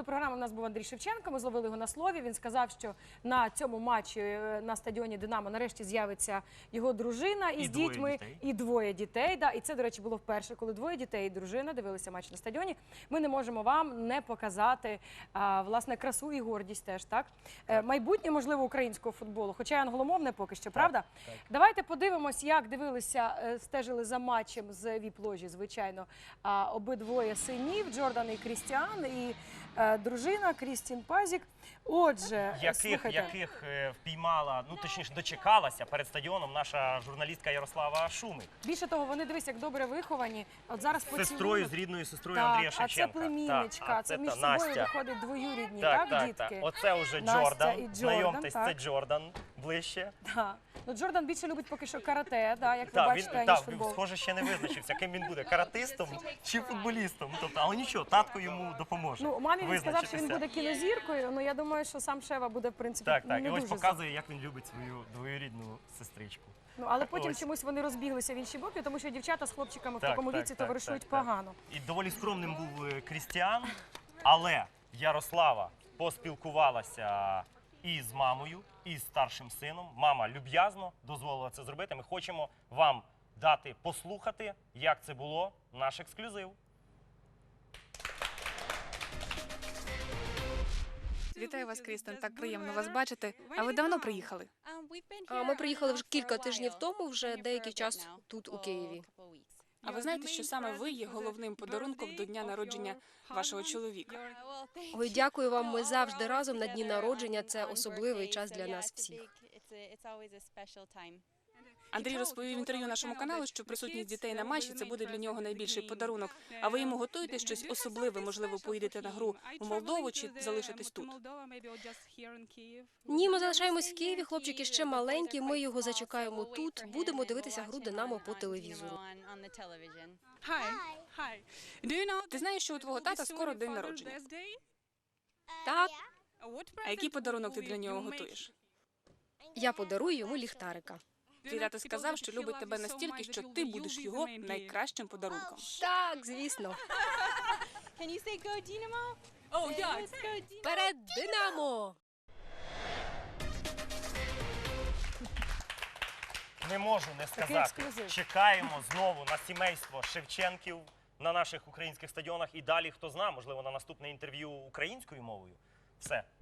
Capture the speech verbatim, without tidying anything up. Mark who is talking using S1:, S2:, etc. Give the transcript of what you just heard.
S1: програми в нас був Андрій Шевченко, ми зловили його на слові. Він сказав, що на цьому матчі на стадіоні «Динамо» нарешті з'явиться його дружина із дітьми. І двоє дітей. Да. І це, до речі, було вперше, коли двоє дітей і дружина дивилися матч на стадіоні. Ми не можемо вам не показати, а, власне, красу і гордість теж, так? так. Майбутнє, можливо, українського футболу, хоча й англомовне поки що, правда? Так, так. Давайте подивимось, як дивилися, стежили за матчем з віп-ложі, звичайно, обидвоє синів, Джордан і Крістіан, і е, дружина Крістін Пазік. Отже,
S2: яких, яких е, впіймала, ну точніше дочекалася перед стадіоном наша журналістка Ярослава Шумик.
S1: Більше того, вони, дивись, як добре виховані. От зараз
S2: з сестрою, з рідною сестрою так, Андрія Шевченка.
S1: А це племінничка,
S2: так,
S1: це,
S2: це
S1: між
S2: та,
S1: собою
S2: Настя.
S1: Виходить двоюрідні,
S2: так,
S1: так,
S2: так,
S1: дітки?
S2: Так. Оце вже
S1: Настя
S2: Джордан,
S1: і Джордан,
S2: знайомтесь,
S1: так.
S2: це Джордан ближче.
S1: Так. Ну, Джордан більше любить поки що карате, да, як ви
S2: так,
S1: бачите,
S2: він,
S1: ніж
S2: так,
S1: футбол.
S2: Схоже, ще не визначився, ким він буде, каратистом чи футболістом. Тобто, але нічого, татко йому допоможе.
S1: Ну, мамі він сказав, що він буде кінозіркою, ну я думаю, що сам Шева буде, в принципі,
S2: так,
S1: не
S2: так.
S1: дуже.
S2: І ось показує, як він любить свою двоюрідну сестричку.
S1: Ну, але потім
S2: ось.
S1: чомусь вони розбіглися в інші боки, тому що дівчата з хлопчиками в
S2: так,
S1: такому
S2: так,
S1: віці
S2: так,
S1: товаришують
S2: так, так.
S1: погано.
S2: І доволі скромним був Крістіан, але Ярослава поспілкувалася і з мамою, і з старшим сином. Мама люб'язно дозволила це зробити. Ми хочемо вам дати послухати, як це було, наш ексклюзив.
S3: Вітаю вас, Крістен, так приємно вас бачити. А ви давно приїхали?
S4: А ми приїхали вже кілька тижнів тому, вже деякий час тут, у Києві.
S3: А ви знаєте, що саме ви є головним подарунком до дня народження вашого чоловіка?
S4: Ой, дякую вам, ми завжди разом на дні народження, це особливий час для нас всіх.
S3: Андрій розповів в інтерв'ю нашому каналу, що присутність дітей на матчі – це буде для нього найбільший подарунок. А ви йому готуєте щось особливе? Можливо, поїдете на гру у Молдову чи залишитесь тут?
S4: Ні, ми залишаємось в Києві, хлопчики ще маленькі, ми його зачекаємо тут, будемо дивитися гру «Динамо» по телевізору.
S3: Ти знаєш, що у твого тата скоро день народження?
S4: Так,
S3: А який подарунок ти для нього готуєш?
S4: я подарую йому ліхтарика.
S3: Твій тато сказав, що любить тебе настільки, що ти будеш його найкращим подарунком.
S4: Так, звісно. Вперед, «Динамо»!
S2: Не можу не сказати.
S1: ексклюзив.
S2: Чекаємо знову на сімейство Шевченків на наших українських стадіонах. І далі, хто знає, можливо, на наступне інтерв'ю українською мовою. Все.